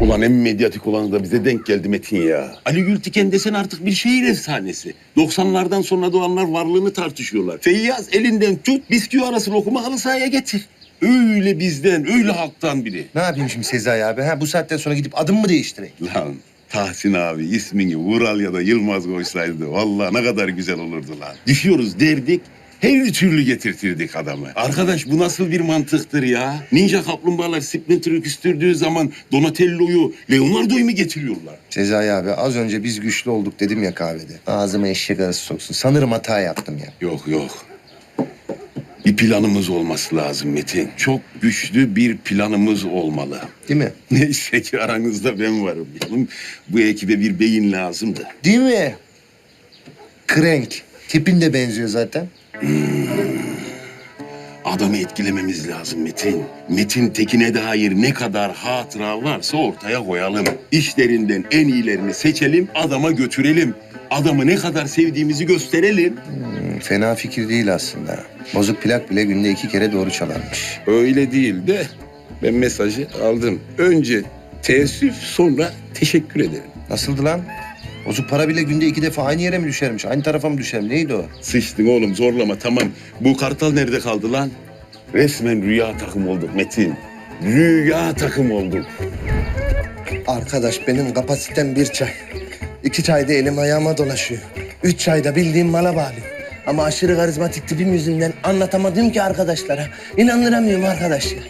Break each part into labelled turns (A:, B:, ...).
A: Ulan en medyatik olanı da bize denk geldi Metin ya. Ali Gültiken desen artık bir şehir efsanesi. 90'lardan sonra doğanlar varlığını tartışıyorlar. Feyyaz elinden tut, bisküvi arası lokumu halı sahaya getir. Öyle bizden, öyle halktan biri.
B: Ne yapayım şimdi Sezai abi? Ha, bu saatten sonra gidip adım mı değiştireyim?
A: Lan Tahsin abi ismini Vural ya da Yılmaz koysaydı vallahi ne kadar güzel olurdu lan. Düşüyoruz derdik, her türlü getirtirdik adamı. Arkadaş bu nasıl bir mantıktır ya? Ninja kaplumbağalar Splinter'ı küstürdüğü zaman Donatello'yu, Leonardo'yu mu getiriyorlar?
B: Sezai abi az önce biz güçlü olduk dedim ya kahvede. Ağzıma eşek arısı soksun. Sanırım hata yaptım ya.
A: Yok yok. Bir planımız olması lazım Metin. Çok güçlü bir planımız olmalı.
B: Değil mi?
A: Neyse ki aranızda ben varım. Oğlum, bu ekibe bir beyin lazımdı.
B: Değil mi? Krenk. Tipin de benziyor zaten.
A: Adamı etkilememiz lazım Metin. Metin Tekin'e dair ne kadar hatıra varsa ortaya koyalım. İşlerinden en iyilerini seçelim, adama götürelim. Adamı ne kadar sevdiğimizi gösterelim.
B: Fena fikir değil aslında. Bozuk plak bile günde 2 kere doğru çalarmış.
A: Öyle değil de ben mesajı aldım. Önce teessüf sonra teşekkür ederim.
B: Nasıldı lan? Bozuk para bile günde 2 defa aynı yere mi düşermiş? Aynı tarafa mı düşer? Neydi o?
A: Sıçtın oğlum zorlama tamam. Bu kartal nerede kaldı lan? Resmen rüya takım olduk Metin. Rüya takım olduk.
C: Arkadaş benim kapasitem 1 çay. 2 çayda elim ayağıma dolaşıyor. 3 çayda bildiğim mala bağlıyor. Ama aşırı karizmatik tipim yüzünden anlatamadım ki arkadaşlara. İnandıramıyorum arkadaş ya.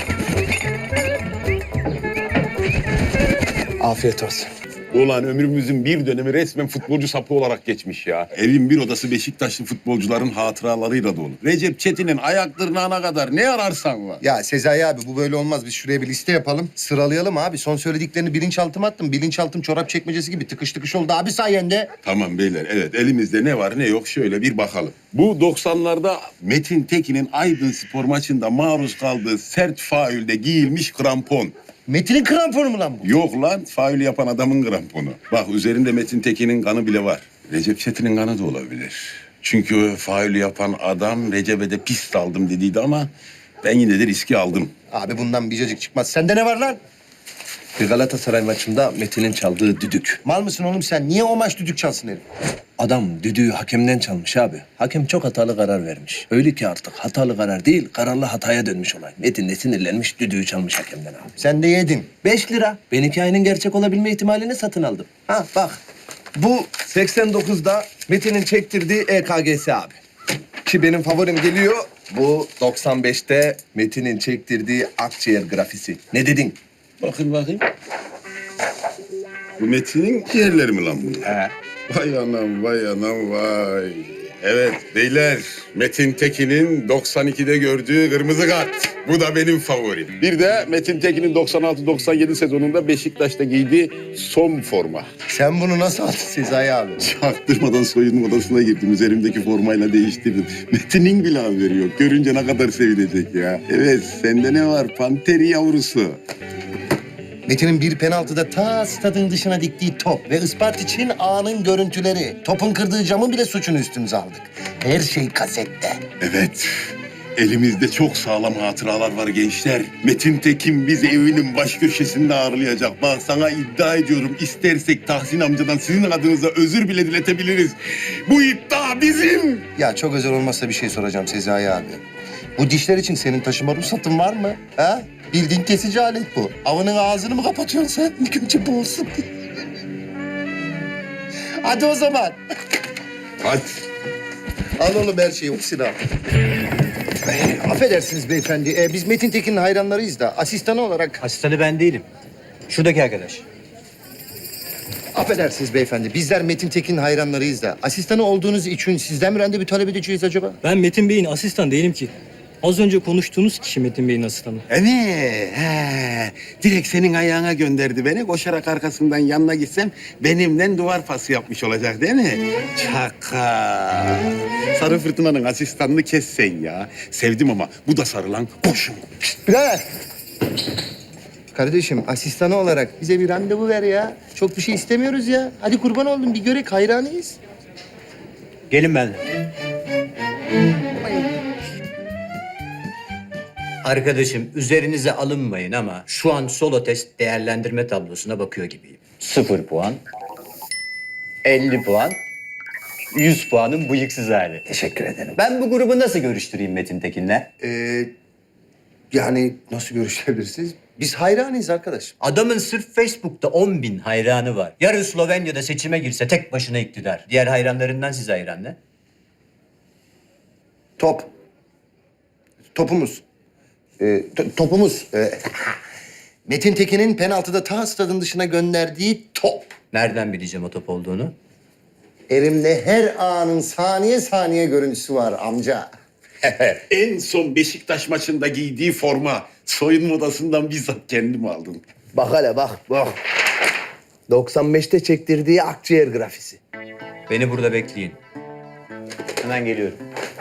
C: Afiyet olsun.
A: Ulan ömrümüzün bir dönemi resmen futbolcu sapı olarak geçmiş ya. Evin bir odası Beşiktaşlı futbolcuların hatıralarıyla dolu. Recep Çetin'in ayak tırnağına kadar ne ararsan var.
B: Ya Sezai abi bu böyle olmaz. Biz şuraya bir liste yapalım. Sıralayalım abi. Son söylediklerini bilinçaltıma attım. Bilinçaltım çorap çekmecesi gibi tıkış tıkış oldu abi sayende.
A: Tamam beyler evet elimizde ne var ne yok şöyle bir bakalım. Bu 90'larda Metin Tekin'in Aydın Spor maçında maruz kaldığı sert faulde giyilmiş krampon.
B: Metin'in kramponu mu lan bu?
A: Yok lan faul yapan adamın kramponu. Bak üzerinde Metin Tekin'in kanı bile var. Recep Çetin'in kanı da olabilir. Çünkü faul yapan adam Recep'e de pist aldım dediydi ama ben yine de riski aldım.
B: Abi bundan bir cacık çıkmaz. Sende ne var lan?
C: Bir Galatasaray maçında Metin'in çaldığı düdük.
B: Mal mısın oğlum sen? Niye o maç düdük çalsın herif?
C: Adam düdüğü hakemden çalmış abi. Hakem çok hatalı karar vermiş. Öyle ki artık hatalı karar değil, kararlı hataya dönmüş olay. Metin de sinirlenmiş, düdüğü çalmış hakemden abi.
B: Sen de yedin.
C: 5 lira. Ben hikayenin gerçek olabilme ihtimalini satın aldım. Ha bak. Bu 89'da Metin'in çektirdiği EKG'si abi. Ki benim favorim geliyor. Bu 95'te Metin'in çektirdiği akciğer grafisi. Ne dedin?
A: Bakayım. Bu Metin'in ciğerleri mi lan bunlar?
C: He.
A: Vay anam vay. Evet beyler Metin Tekin'in 92'de gördüğü kırmızı kart. Bu da benim favorim. Bir de Metin Tekin'in 96-97 sezonunda Beşiktaş'ta giydiği son forma.
B: Sen bunu nasıl aldın Sezai abi?
A: Çaktırmadan soyunma odasına girdim. Üzerimdeki formayla değiştirdim. Metin'in bile haberi yok. Görünce ne kadar sevinecek ya. Evet sende ne var? Panteri yavrusu.
B: Metin'in bir penaltıda ta stadın dışına diktiği top ve Isparta için anın görüntüleri. Topun kırdığı camın bile suçunu üstümüze aldık. Her şey kasette.
A: Evet. Elimizde çok sağlam hatıralar var gençler. Metin Tekin bizi evinin baş köşesinde ağırlayacak. Bak sana iddia ediyorum istersek Tahsin amcadan sizin adınıza özür bile diletebiliriz. Bu iddia bizim.
B: Ya çok özel olmazsa bir şey soracağım Sezai abi. Bu dişler için senin taşıma ruhsatın var mı? Ha? Bildiğin kesici alet bu. Avının ağzını mı kapatıyorsun sen? İlk önce bu olsun. Hadi o zaman.
A: Hadi.
B: Al oğlum her şeyi. Silah. Affedersiniz beyefendi. Biz Metin Tekin'in hayranlarıyız da asistanı olarak...
D: Asistanı ben değilim. Şuradaki arkadaş.
B: Affedersiniz beyefendi. Bizler Metin Tekin'in hayranlarıyız da asistanı olduğunuz için sizden mi randevu talep edeceğiz acaba?
E: Ben Metin Bey'in asistan değilim ki. Az önce konuştuğunuz kişi Metin Bey'in asistanı.
A: Evet. Direkt senin ayağına gönderdi beni. Koşarak arkasından yanına gitsem benimle duvar pası yapmış olacak değil mi? Çaka. Sarı Fırtına'nın asistanını kes sen ya. Sevdim ama bu da sarılan boşum.
B: Birader. Kardeşim asistanı olarak bize bir randevu ver ya. Çok bir şey istemiyoruz ya. Hadi kurban oldum bir görek hayranıyız.
D: Gelin benimle. Arkadaşım üzerinize alınmayın ama şu an solo test değerlendirme tablosuna bakıyor gibiyim. 0 puan, 50 puan, 100 puanın bıyıksız hali.
B: Teşekkür ederim.
D: Ben bu grubu nasıl görüştüreyim Metin Tekin'le?
B: Yani nasıl görüşebilirsiniz? Biz hayranıyız arkadaş.
D: Adamın sırf Facebook'ta 10.000 hayranı var. Yarın Slovenya'da seçime girse tek başına iktidar. Diğer hayranlarından size hayran ne?
B: Top. Topumuz. Topumuz. Metin Tekin'in penaltıda ta stadın dışına gönderdiği top.
D: Nereden bileceğim o top olduğunu?
B: Elimde her anın saniye saniye görüntüsü var amca.
A: En son Beşiktaş maçında giydiği forma soyunma odasından bizzat kendim aldım.
C: Bak hele bak. 95'te çektirdiği akciğer grafisi.
D: Beni burada bekleyin. Hemen geliyorum.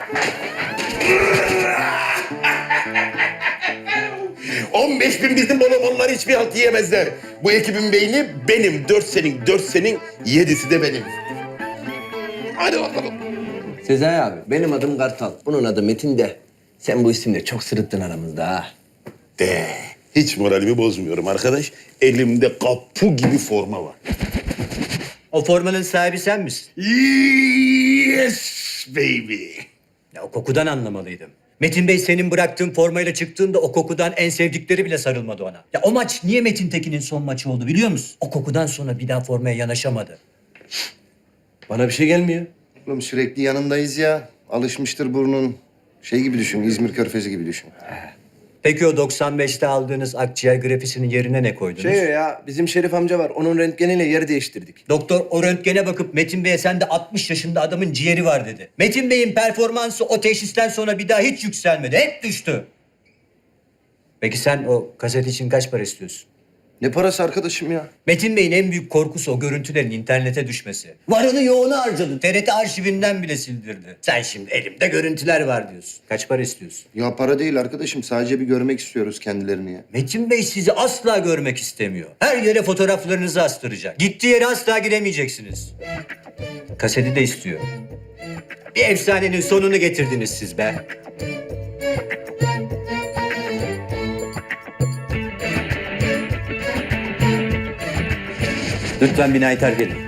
A: 15 bin bizim bolomonlar hiçbir halt yiyemezler. Bu ekibin beyni benim. 4 senin, 4 senin, 7'si de benim. Hadi bakalım.
C: Sezai abi, benim adım Kartal. Bunun adı Metin de. Sen bu isimle çok sırıttın aramızda ha.
A: De. Hiç moralimi bozmuyorum arkadaş. Elimde kapu gibi forma var.
D: O formanın sahibi sen misin?
A: Yes baby.
D: Ya o kokudan anlamalıydım. Metin Bey senin bıraktığın formayla çıktığında o kokudan en sevdikleri bile sarılmadı ona. Ya o maç niye Metin Tekin'in son maçı oldu biliyor musun? O kokudan sonra bir daha formaya yanaşamadı.
C: Bana bir şey gelmiyor.
B: Oğlum sürekli yanındayız ya. Alışmıştır burnun. Şey gibi düşün, İzmir Körfezi gibi düşün.
D: Peki o 95'te aldığınız akciğer grafisinin yerine ne koydunuz?
C: Ya, bizim Şerif amca var. Onun röntgeniyle yer değiştirdik.
D: Doktor o röntgene bakıp Metin Bey'e sen de 60 yaşında adamın ciğeri var dedi. Metin Bey'in performansı o teşhisten sonra bir daha hiç yükselmedi. Hep düştü. Peki sen o kaset için kaç para istiyorsun?
B: Ne parası arkadaşım ya?
D: Metin Bey'in en büyük korkusu o görüntülerin internete düşmesi. Varını yoğunu harcadı. TRT arşivinden bile sildirdi. Sen şimdi elimde görüntüler var diyorsun. Kaç para istiyorsun?
B: Ya para değil arkadaşım. Sadece bir görmek istiyoruz kendilerini ya.
D: Metin Bey sizi asla görmek istemiyor. Her yere fotoğraflarınızı astıracak. Gittiği yere asla giremeyeceksiniz. Kaseti de istiyor. Bir efsanenin sonunu getirdiniz siz be. Lütfen binayı terk edin.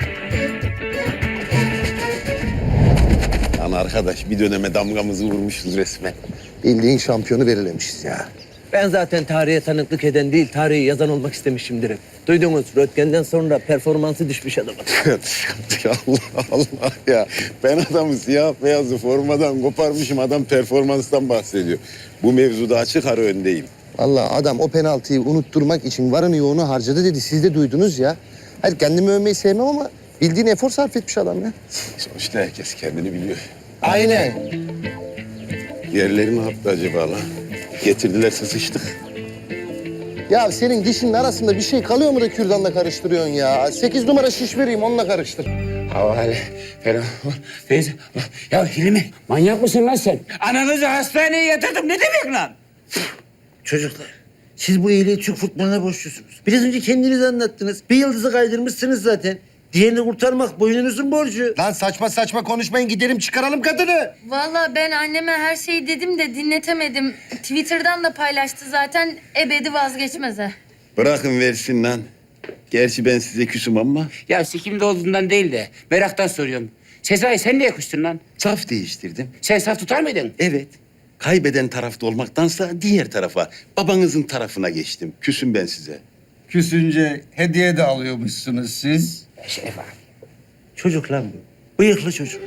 A: Lan arkadaş bir döneme damgamızı vurmuşuz resmen.
B: Bildiğin şampiyonu belirlemişiz ya.
C: Ben zaten tarihe tanıklık eden değil, tarihi yazan olmak istemişimdir hep. Duydunuz, röntgenden sonra performansı düşmüş adamın.
A: Allah Allah ya. Ben adamı siyah beyazı formadan koparmışım. Adam performanstan bahsediyor. Bu mevzuda açık ara öndeyim.
B: Vallahi adam o penaltıyı unutturmak için varını yoğunu harcadı dedi. Siz de duydunuz ya. Hayır kendimi övmeyi sevmem ama bildiğin efor sarf etmiş adam ya.
A: Sonuçta herkes kendini biliyor.
B: Aynen.
A: Yerleri ne yaptı acaba lan? Getirdilerse sıçtık.
B: Ya senin dişinin arasında bir şey kalıyor mu da kürdanla karıştırıyorsun ya? 8 numara şiş vereyim onunla karıştır.
F: Havale falan. Teyze. Ya Hilmi manyak mısın lan sen? Ananızı hastaneye yatırdım ne demek lan?
G: Çocuklar, siz bu iyiliği Türk futboluna borçlusunuz. Biraz önce kendiniz anlattınız. Bir yıldızı kaydırmışsınız zaten. Diğerini kurtarmak boynunuzun borcu.
B: Lan saçma saçma konuşmayın gidelim çıkaralım kadını.
H: Vallahi ben anneme her şeyi dedim de dinletemedim. Twitter'dan da paylaştı zaten. Ebedi vazgeçmeze.
A: Bırakın versin lan. Gerçi ben size küsüm ama
F: Ya sikimde olduğundan değil de meraktan soruyorum. Sezai sen niye kustun lan?
A: saf değiştirdim.
F: Sen saf tutar mıydın?
A: Evet. Kaybeden tarafta olmaktansa diğer tarafa, babanızın tarafına geçtim. Küsüm ben size.
G: Küsünce hediye de alıyormuşsunuz siz.
F: Şeref abi.
G: Çocuk lan bu. Bıyıklı çocuk.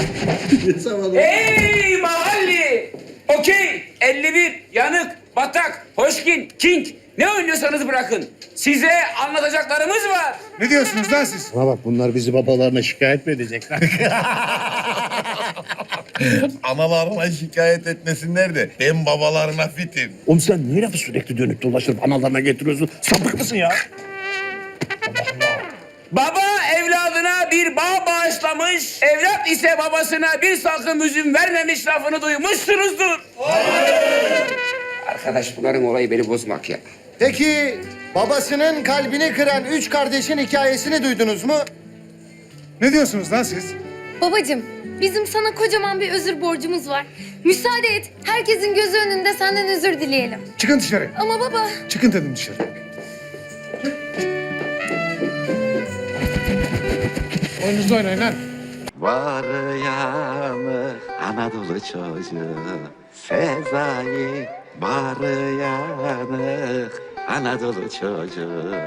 F: Hey mahalli! Okey, 51, yanık, batak, hoşkin, king. Ne oynuyorsanız bırakın. Size anlatacaklarımız var.
G: Ne diyorsunuz lan siz?
B: Bana bak bunlar bizi babalarına şikayet mi edecekler?
A: Analarına şikayet etmesinler de ben babalarına fitim.
G: Oğlum sen niye lafı sürekli dönüp dolaşıp analarına getiriyorsun? Sapık mısın ya?
F: Baba evladına bir bağ bağışlamış, evlat ise babasına bir salkım üzüm vermemiş lafını duymuşsunuzdur. Arkadaş bunların olayı beni bozmak ya.
B: Peki babasının kalbini kıran 3 kardeşin hikayesini duydunuz mu?
G: Ne diyorsunuz lan siz?
H: Babacığım, bizim sana kocaman bir özür borcumuz var. Müsaade et, herkesin gözü önünde senden özür dileyelim.
I: Çıkın dışarı.
H: Ama baba...
I: Çıkın dedim dışarı. Oyununuzu oynayın lan.
J: Var yanı Anadolu çocuğu Sezai var yanı Anadolu çocuğu